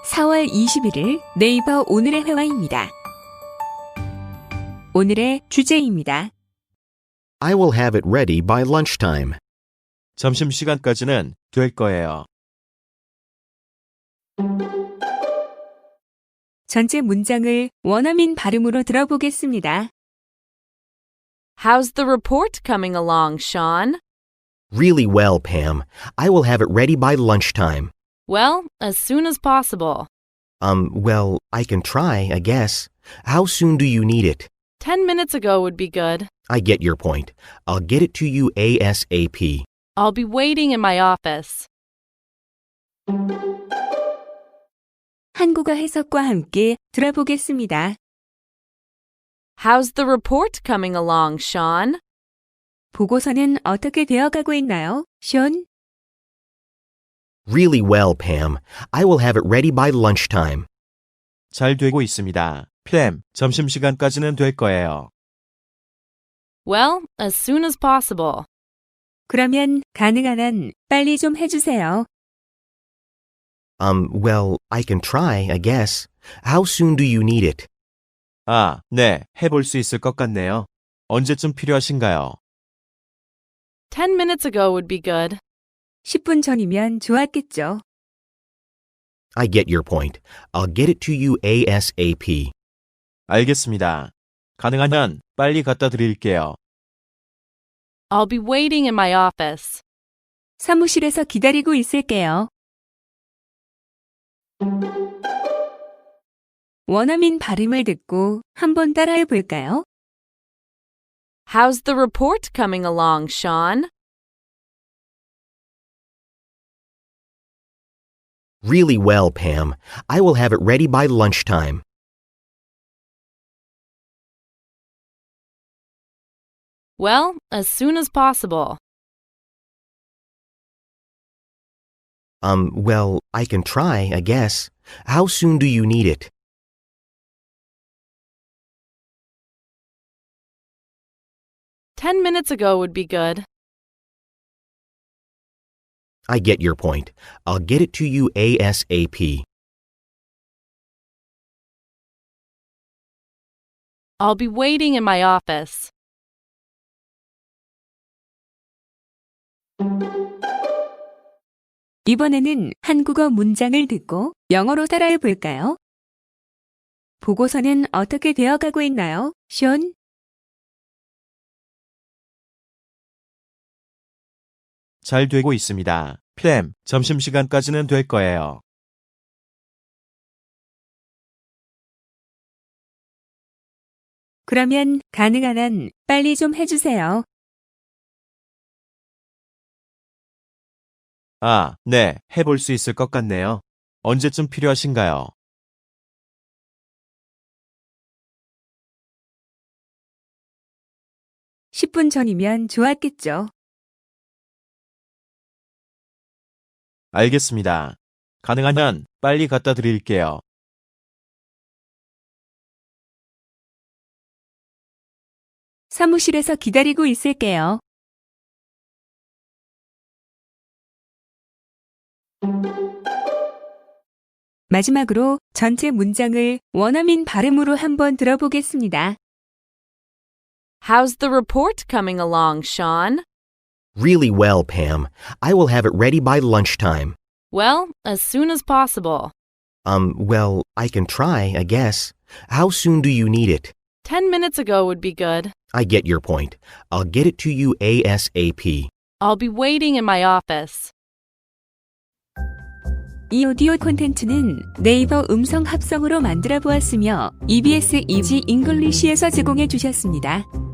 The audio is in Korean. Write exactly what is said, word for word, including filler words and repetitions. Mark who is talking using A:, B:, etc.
A: 사월 이십일일 네이버 오늘의 회화입니다. 오늘의 주제입니다.
B: I will have it ready by lunchtime.
C: 점심시간까지는 될 거예요.
A: 전체 문장을 원어민 발음으로 들어보겠습니다.
D: How's the report coming along, Sean?
B: Really well, Pam. I will have it ready by lunchtime.
D: Well, as soon as possible.
B: Um, well, I can try, I guess. How soon do you need it?
D: Ten minutes ago would be good.
B: I get your point. I'll get it to you ASAP.
D: I'll be waiting in my office.
A: 한국어 해석과 함께 들어보겠습니다.
D: How's the report coming along, Sean?
A: 보고서는 어떻게 되어가고 있나요, 션?
B: Really well, Pam. I will have it ready by lunchtime.
C: 잘 되고 있습니다. 팸, 점심시간까지는 될 거예요.
D: Well, as soon as possible.
A: 그러면 가능한 한 빨리 좀 해주세요.
B: Um, well, I can try, I guess. How soon do you need it?
C: 아, 네, 해볼 수 있을 것 같네요. 언제쯤 필요하신가요?
D: Ten minutes ago would be good.
A: 십 분 전이면 좋았겠죠.
B: I get your point. I'll get it to you ASAP.
C: 알겠습니다. 가능하면 빨리 갖다 드릴게요.
D: I'll be waiting in my office.
A: 사무실에서 기다리고 있을게요. 원어민 발음을 듣고 한번 따라해 볼까요?
D: How's the report coming along, Sean?
B: Really well, Pam. I will have it ready by lunchtime.
D: Well, as soon as possible.
B: Um, well, I can try, I guess. How soon do you need it?
D: Ten minutes ago would be good.
B: I get your point. I'll get it to you ASAP.
D: I'll be waiting in my office.
A: 이번에는 한국어 문장을 듣고 영어로 따라해 볼까요? 보고서는 어떻게 되어가고 있나요, 션?
C: 잘 되고 있습니다. 팸, 점심시간까지는 될 거예요.
A: 그러면 가능한 한 빨리 좀 해주세요.
C: 아, 네, 해볼 수 있을 것 같네요. 언제쯤 필요하신가요?
A: 십 분 전이면 좋았겠죠.
C: 알겠습니다. 가능하면 빨리 갖다 드릴게요.
A: 사무실에서 기다리고 있을게요. 마지막으로 전체 문장을 원어민 발음으로 한번 들어보겠습니다.
D: How's the report coming along, Sean?
B: Really well, Pam. I will have it ready by lunchtime.
D: Well, as soon as possible.
B: Um, well, I can try, I guess. How soon do you need it?
D: Ten minutes ago would be good.
B: I get your point. I'll get it to you ASAP.
D: I'll be waiting in my office.
A: 이 오디오 콘텐츠는 네이버 음성 합성으로 만들어 보았으며 이비에스 이지 잉글리시에서 제공해 주셨습니다.